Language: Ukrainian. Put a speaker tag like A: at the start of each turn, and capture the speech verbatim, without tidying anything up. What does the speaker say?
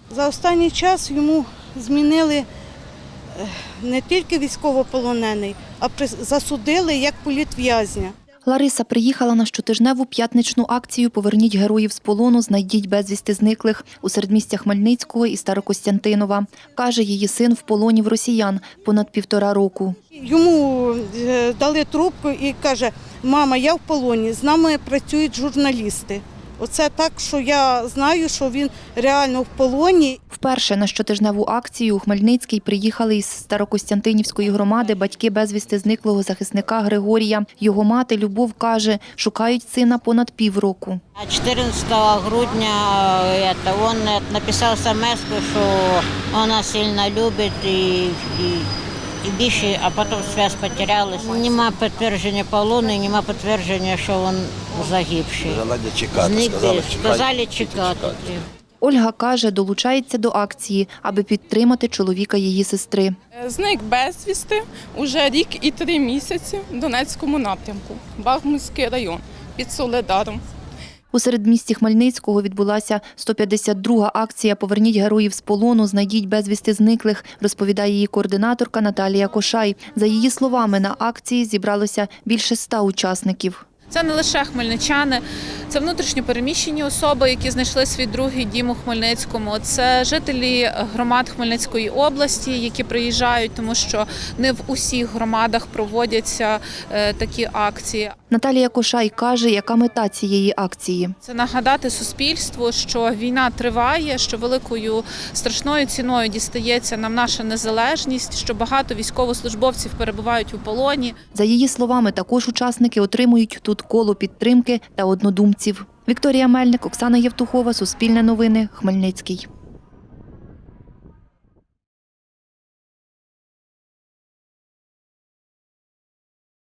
A: За останній час йому змінили не тільки військовополонений, а засудили як політв'язня.
B: Лариса приїхала на щотижневу п'ятничну акцію «Поверніть героїв з полону, знайдіть безвісти зниклих» у середмістя Хмельницького і Старокостянтинова. Каже, її син в полоні в росіян понад півтора року.
A: Йому дали трубку і каже: «Мама, я в полоні, з нами працюють журналісти». Оце так, що я знаю, що він реально в полоні.
B: Вперше на щотижневу акцію у Хмельницький приїхали із Старокостянтинівської громади батьки безвісти зниклого захисника Григорія. Його мати Любов каже, шукають сина понад півроку.
C: чотирнадцятого грудня він написав смс, що вона сильно любить і, і, і більше, а потім зв'язок потерялась. Нема підтвердження полону, нема підтвердження, що він загибший. Сказали, сказали чекати.
B: Ольга каже, долучається до акції, аби підтримати чоловіка її сестри.
D: Зник безвісти уже рік і три місяці в Донецькому напрямку, Бахмутський район, під Солидаром.
B: У середмісті Хмельницького відбулася сто п'ятдесят друга акція «Поверніть героїв з полону, знайдіть безвісти зниклих», розповідає її координаторка Наталія Кошай. За її словами, на акції зібралося більше ста учасників.
E: Це не лише хмельничани, це внутрішньо переміщені особи, які знайшли свій другий дім у Хмельницькому. Це жителі громад Хмельницької області, які приїжджають, тому що не в усіх громадах проводяться такі акції.
B: Наталія Кошай каже, яка мета цієї акції.
E: Це нагадати суспільству, що війна триває, що великою страшною ціною дістається нам наша незалежність, що багато військовослужбовців перебувають у полоні.
B: За її словами, також учасники отримують тут коло підтримки та однодумців. Вікторія Мельник, Оксана Євтухова, Суспільне новини, Хмельницький.